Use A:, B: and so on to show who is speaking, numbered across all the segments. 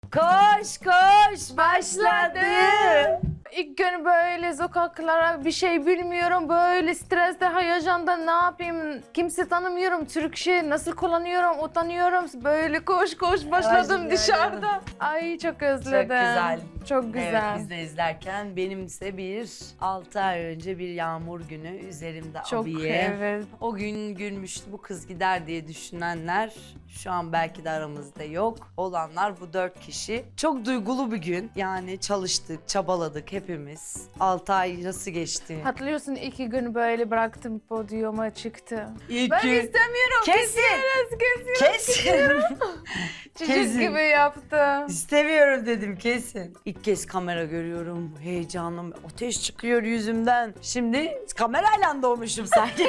A: Koş koş başladı.
B: İlk gün böyle sokaklara bir şey bilmiyorum. Böyle streste, heyecanda ne yapayım? Kimse tanımıyorum. Türkçe nasıl kullanıyorum, utanıyorum. Böyle koş koş başladım
A: Ay,
B: dışarıda. Ay çok özledim.
A: Çok güzel.
B: Çok güzel.
A: Evet biz de izlerken benimse 6 ay önce bir yağmur günü üzerimde
B: Çok
A: abiye.
B: evet.
A: O gün gülmüştü bu kız gider diye düşünenler şu an belki de aramızda yok. Olanlar bu 4 kişi. Çok duygulu bir gün. Yani çalıştık, çabaladık hepimiz. 6 ay nasıl geçti?
B: Hatırlıyorsun 2 gün böyle bıraktım, podyuma çıktı.
A: İlk
B: Ben
A: gün-
B: istemiyorum.
A: Kesin.
B: Kesin. Çocuk
A: Kesin.
B: gibi yaptı.
A: İstemiyorum dedim kesin. İlk kez kamera görüyorum. Heyecanım, ateş çıkıyor yüzümden. Şimdi kamerayla doğmuşum sanki.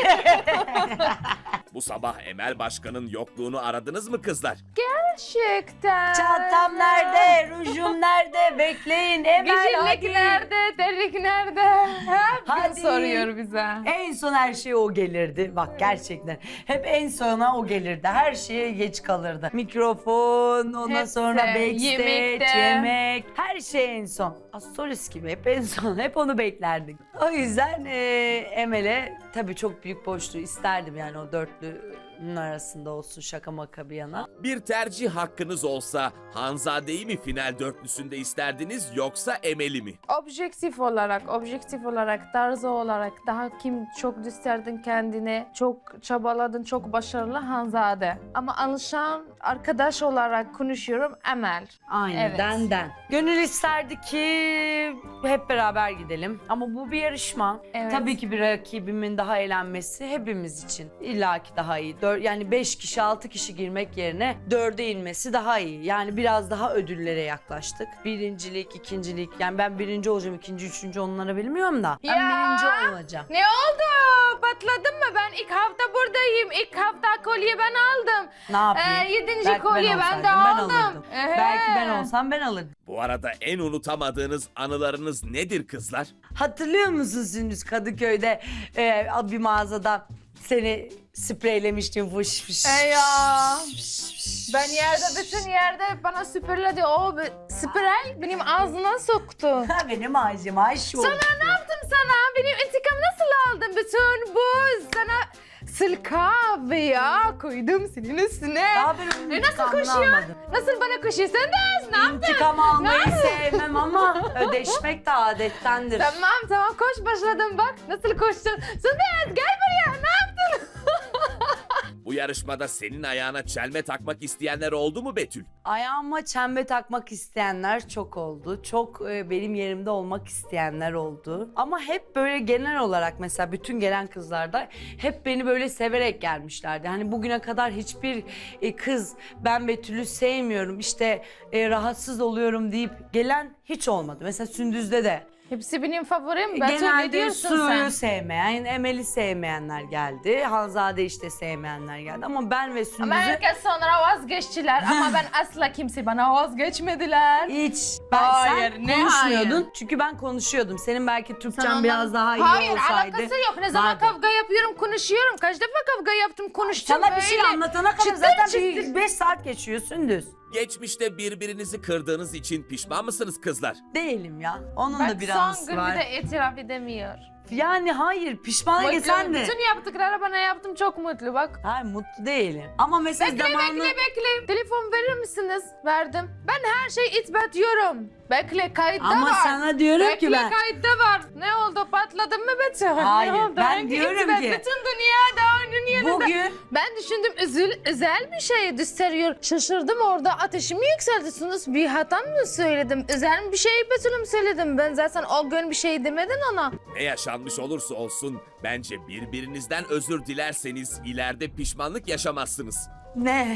C: Bu sabah Emel Başkan'ın yokluğunu aradınız mı kızlar?
B: Gerçekten.
A: Çantam nerede? Rujum nerede? Bekleyin Emel
B: Güzellik
A: hadi.
B: nerede? Terlik nerede? Hep
A: Hadi.
B: soruyor bize.
A: En son her şey o gelirdi. Bak gerçekten. Hep en sona o gelirdi. Her şeye geç kalırdı. Mikrofon, ondan
B: Hepsi,
A: sonra backstage,
B: yemekte.
A: yemek. Her şey en son. Astoris gibi hep en son. Hep onu beklerdik. O yüzden Emel'e tabii çok büyük boşluğu isterdim yani o dörtlünün arasında olsun şaka maka bir yana.
C: Bir tercih hakkınız olsa Hanzade'yi mi final dörtlüsünde isterdiniz yoksa Emel'i mi?
B: Objektif olarak, tarzı olarak daha kim çok gösterdin kendine, çok çabaladın, çok başarılı Hanzade. Ama alışan arkadaş olarak konuşuyorum Emel.
A: Aynen
B: Evet.
A: den. Gönül isterdi ki hep beraber gidelim. Ama bu bir yarışma.
B: Evet.
A: Tabii ki bir rakibimin daha eğlenmesi hepimiz için. İlla ki daha iyi. Yani 5 kişi 6 kişi girmek yerine 4'e inmesi daha iyi. Yani biraz daha ödüllere yaklaştık. Birincilik, ikincilik. Yani ben birinci olacağım, ikinci, üçüncü onları bilmiyorum da. Ben
B: Ya.
A: birinci olacağım.
B: Ne oldu? Patladın mı? Ben ilk hafta buradayım. İlk hafta kolye ben aldım.
A: Ne yapayım?
B: 7.
A: Belki
B: kolye ben
A: olsaydım
B: de aldım.
A: alırdım. Belki ben olsam ben alırdım.
C: Bu arada en unutamadığınız anılarınız nedir kızlar?
A: Hatırlıyor musun Sündüz Kadıköy'de bir mağazada seni spreylemiştim fış fış.
B: Ya. Ben bütün yerde bana süpürledi. O sprey benim ağzına soktu.
A: Ha, benim ağacım Ayşe.
B: Sana ne yaptım sana? Benim intikam nasıl aldın? Bütün bu sana kahve ya koydum senin üstüne.
A: Daha ben onun
B: Nasıl
A: intikamını
B: koşuyor?
A: almadım.
B: Nasıl bana koşuyor? Sen de ne yaptın?
A: İntikam almayı sevmem ama ödeşmek de adettendir.
B: Tamam koş başladım bak. Nasıl koştun? Sen gel buraya. Ne yaptın?
C: Bu yarışmada senin ayağına çelme takmak isteyenler oldu mu Betül?
A: Ayağıma çembe takmak isteyenler çok oldu. Çok benim yerimde olmak isteyenler oldu. Ama hep böyle genel olarak mesela bütün gelen kızlarda hep beni böyle severek gelmişlerdi. Hani bugüne kadar hiçbir kız ben Betül'ü sevmiyorum işte rahatsız oluyorum deyip gelen hiç olmadı. Mesela Sündüz'de de.
B: Hepsi benim favorim. Betül ne
A: Genelde
B: diyorsun
A: Su'yu
B: sen?
A: sevmeyen, Emel'i sevmeyenler geldi. Hanzade işte sevmeyenler geldi. Ama ben ve
B: Ama
A: Sündüz'ü
B: herkes sonra vazgeçtiler. Ama ben asla kimse bana vazgeçmediler.
A: hiç...
B: Hayır,
A: sen
B: ne
A: konuşmuyordun.
B: hayır?
A: Çünkü ben konuşuyordum. Senin belki Türkçen
B: Sen
A: biraz
B: ondan-
A: daha iyi
B: Hayır,
A: olsaydı.
B: alakası yok. Ne zaman
A: vardı.
B: kavga yapıyorum, konuşuyorum. Kaç defa kavga yaptım, konuştum
A: Sana
B: böyle.
A: bir şey anlatana kadar
B: Çıtır
A: zaten
B: çıtır.
A: 5 saat geçiyor Sündüz.
C: Geçmişte birbirinizi kırdığınız için pişman mısınız kızlar?
A: Değilim ya. Onun
B: Bak
A: da bir
B: son
A: anısı
B: gün
A: var.
B: bir de itiraf edemiyor.
A: Yani hayır pişman
B: Mutlu.
A: geçen de.
B: Bütün yaptıkları bana yaptım, çok mutlu bak.
A: Hayır mutlu değilim. Ama mesela
B: Bekle,
A: zamanı...
B: bekle. Telefon verir misiniz? Verdim. Ben her şeyi itbatiyorum. Bekle, kayıtta
A: Ama
B: var.
A: sana diyorum
B: Bekle,
A: ki ben...
B: kayıtta var. Ne oldu? Patladın mı Betül?
A: Hayır,
B: Ne oldu?
A: ben
B: Hangi
A: diyorum
B: itibat?
A: ki-
B: Bütün dünyanın
A: Bugün
B: Ben düşündüm özel bir şey gösteriyor. Şaşırdım orada ateşimi yükseltiyorsunuz. Bir hata mı söyledim? Özel bir şey Betül'üm söyledim. Ben zaten o gün bir şey demedin ona.
C: Ne yaşanmış olursa olsun bence birbirinizden özür dilerseniz ileride pişmanlık yaşamazsınız.
A: ne?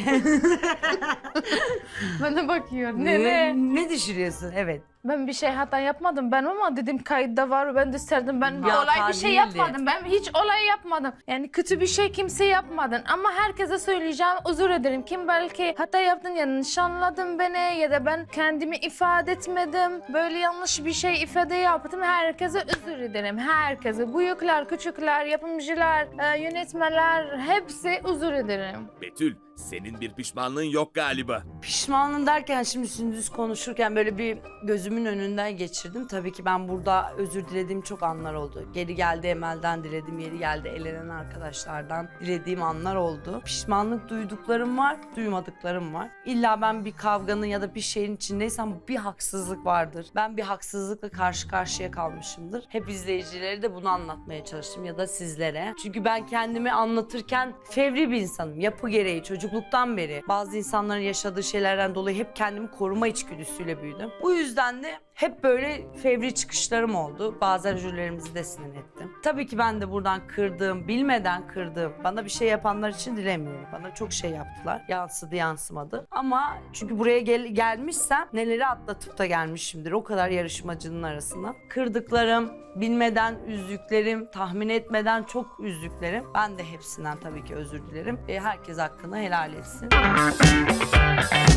B: Bana bakıyor. Ne?
A: Ne düşürüyorsun? Evet.
B: Ben bir şey hata yapmadım ben ama dedim kayıtta var ben gösterdim ben
A: Bir
B: olay
A: hata
B: bir şey
A: değildi.
B: yapmadım ben hiç olay yapmadım yani kötü bir şey kimse yapmadın ama herkese söyleyeceğim özür ederim kim belki hata yaptın yanlış anladın beni ya da ben kendimi ifade etmedim böyle yanlış bir şey ifade yaptım herkese özür ederim herkese büyükler küçükler yapımcılar yönetmenler hepsi özür ederim.
C: Betül, Senin bir pişmanlığın yok galiba.
A: Pişmanım derken şimdi Sündüz konuşurken böyle bir gözümün önünden geçirdim. Tabii ki ben burada özür dilediğim çok anlar oldu. Geri geldi Emel'den diledim, yeri geldi elenen arkadaşlardan dilediğim anlar oldu. Pişmanlık duyduklarım var, duymadıklarım var. İlla ben bir kavganın ya da bir şeyin içindeysem bir haksızlık vardır. Ben bir haksızlıkla karşı karşıya kalmışımdır. Hep izleyicileri de bunu anlatmaya çalıştım ya da sizlere. Çünkü ben kendimi anlatırken fevri bir insanım. Yapı gereği çocukluktan beri bazı insanların yaşadığı şeylerden dolayı hep kendimi koruma içgüdüsüyle büyüdüm. Bu yüzden de hep böyle fevri çıkışlarım oldu. Bazen jürilerimizi de sinir ettim. Tabii ki ben de buradan kırdığım, bilmeden kırdığım, bana bir şey yapanlar için dilemiyorum. Bana çok şey yaptılar. Yansıdı yansımadı. Ama çünkü buraya gelmişsem neleri atlatıp da gelmişimdir. O kadar yarışmacının arasında. Kırdıklarım, bilmeden üzdüklerim, tahmin etmeden çok üzdüklerim. Ben de hepsinden tabii ki özür dilerim. Herkes hakkını helal etsin.